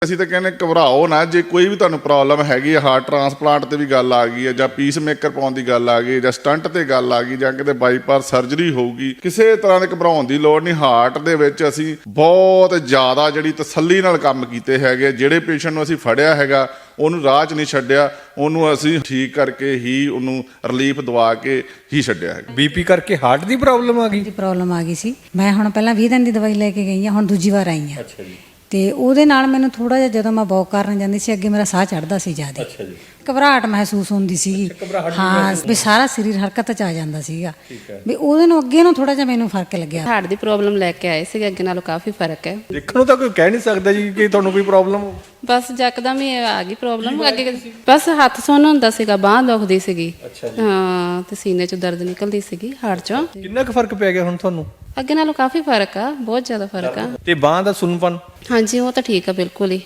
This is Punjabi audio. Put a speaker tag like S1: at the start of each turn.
S1: ਅਸੀਂ ਤਾਂ ਕਹਿੰਦੇ ਘਬਰਾਓ ਨਾ, ਜੇ ਕੋਈ ਵੀ ਤੁਹਾਨੂੰ ਪ੍ਰੋਬਲਮ ਹੈਗੀ ਹੈ, ਹਾਰਟ ਟਰਾਂਸਪਲਾਂਟ ਤੇ ਵੀ ਗੱਲ ਆ ਗਈ ਹੈ, ਜਾਂ ਪੀਸ ਮੇਕਰ ਪਾਉਣ ਦੀ ਗੱਲ ਆ ਗਈ, ਜਾਂ ਸਟੰਟ ਤੇ ਗੱਲ ਆ ਗਈ, ਜਾਂ ਕਿਤੇ ਬਾਈਪਾਸ ਸਰਜਰੀ ਹੋਊਗੀ, ਕਿਸੇ ਤਰ੍ਹਾਂ ਦੇ ਘਬਰਾਉਣ ਦੀ ਲੋੜ ਨਹੀਂ। ਹਾਰਟ ਦੇ ਵਿੱਚ ਅਸੀਂ ਬਹੁਤ ਜ਼ਿਆਦਾ ਜਿਹੜੀ ਤਸੱਲੀ ਨਾਲ ਕੰਮ ਕੀਤੇ ਹੈਗੇ। ਜਿਹੜੇ ਪੇਸ਼ੈਂਟ ਨੂੰ ਅਸੀਂ ਫੜਿਆ ਹੈਗਾ ਉਹਨੂੰ ਰਾਹ 'ਚ ਨਹੀਂ ਛੱਡਿਆ, ਉਹਨੂੰ ਅਸੀਂ ਠੀਕ ਕਰਕੇ ਹੀ ਉਹਨੂੰ ਰਿਲੀਫ ਦਵਾ ਕੇ ਹੀ ਛੱਡਿਆ ਹੈਗਾ।
S2: ਬੀਪੀ ਕਰਕੇ ਹਾਰਟ ਦੀ ਪ੍ਰੋਬਲਮ ਆ ਗਈ?
S3: ਪ੍ਰੋਬਲਮ ਆ ਗਈ ਸੀ। ਮੈਂ ਹੁਣ ਪਹਿਲਾਂ 20 ਦਿਨ ਦੀ ਦਵਾਈ ਲੈ ਕੇ ਗਈ ਹਾਂ, ਹੁਣ ਦੂਜੀ ਵਾਰ ਆਈ ਹਾਂ।
S2: ਅੱਛਾ ਜੀ।
S3: ਤੇ ਉਹਦੇ ਨਾਲ ਮੈਨੂੰ ਥੋੜਾ ਜਿਹਾ, ਜਦੋਂ ਮੈਂ ਵਾਕ ਕਰਨ ਜਾਂਦੀ ਸੀ, ਅੱਗੇ ਮੇਰਾ ਸਾਹ ਚੜਦਾ ਸੀ ਜ਼ਿਆਦਾ।
S2: ਅੱਛਾ ਜੀ।
S3: ਘਬਰਾਹਟ ਮਹਿਸੂਸ ਹੁੰਦੀ ਸੀਗੀ। ਹਾਂ, ਵੀ ਸਾਰਾ ਸਰੀਰ ਹਰਕਤ 'ਚ ਆ ਜਾਂਦਾ ਸੀਗਾ। ਵੀ ਉਹਦੇ ਨੂੰ ਅੱਗੇ ਨੂੰ ਥੋੜਾ ਜਿਹਾ ਮੈਨੂੰ ਫਰਕ ਲੱਗਿਆ।
S4: ਹਾਰਟ ਦੀ ਪ੍ਰੋਬਲਮ ਲੈ ਕੇ ਆਏ ਸੀਗੇ, ਅੱਗੇ ਨਾਲੋਂ ਕਾਫੀ ਫਰਕ ਹੈ।
S2: ਦੇਖਣ ਨੂੰ ਤਾਂ ਕੋਈ ਕਹਿ ਨਹੀਂ ਸਕਦਾ ਜੀ ਕਿ ਤੁਹਾਨੂੰ ਕੋਈ ਪ੍ਰੋਬਲਮ ਹੋ।
S4: ਬਸ ਜੱਕਦਮ ਹੀ ਆ ਗਈ ਪ੍ਰੋਬਲਮ। ਅੱਗੇ ਬਸ ਹੱਥ ਸੁੰਨ ਹੁੰਦਾ ਸੀਗਾ, ਬਾਂਹ ਦੁਖਦੀ ਸੀਗੀ। ਹਾਂ, ਤੇ ਸੀਨੇ 'ਚੋਂ ਦਰਦ ਨਿਕਲਦੀ ਸੀਗੀ ਹਾਰਟ 'ਚੋਂ।
S2: ਕਿੰਨਾ ਕੁ ਫਰਕ ਪੈ ਗਿਆ ਹੁਣ ਤੁਹਾਨੂੰ?
S4: ਅੱਗੇ ਨਾਲੋਂ ਕਾਫੀ ਫਰਕ ਆ, ਬਹੁਤ ਜ਼ਿਆਦਾ ਫਰਕ ਆ।
S2: ਤੇ ਬਾਂਹ ਦਾ ਸੁੰਨਪਨ?
S4: ਹਾਂਜੀ, ਉਹ ਤਾਂ ਠੀਕ ਆ ਬਿਲਕੁਲ ਹੀ।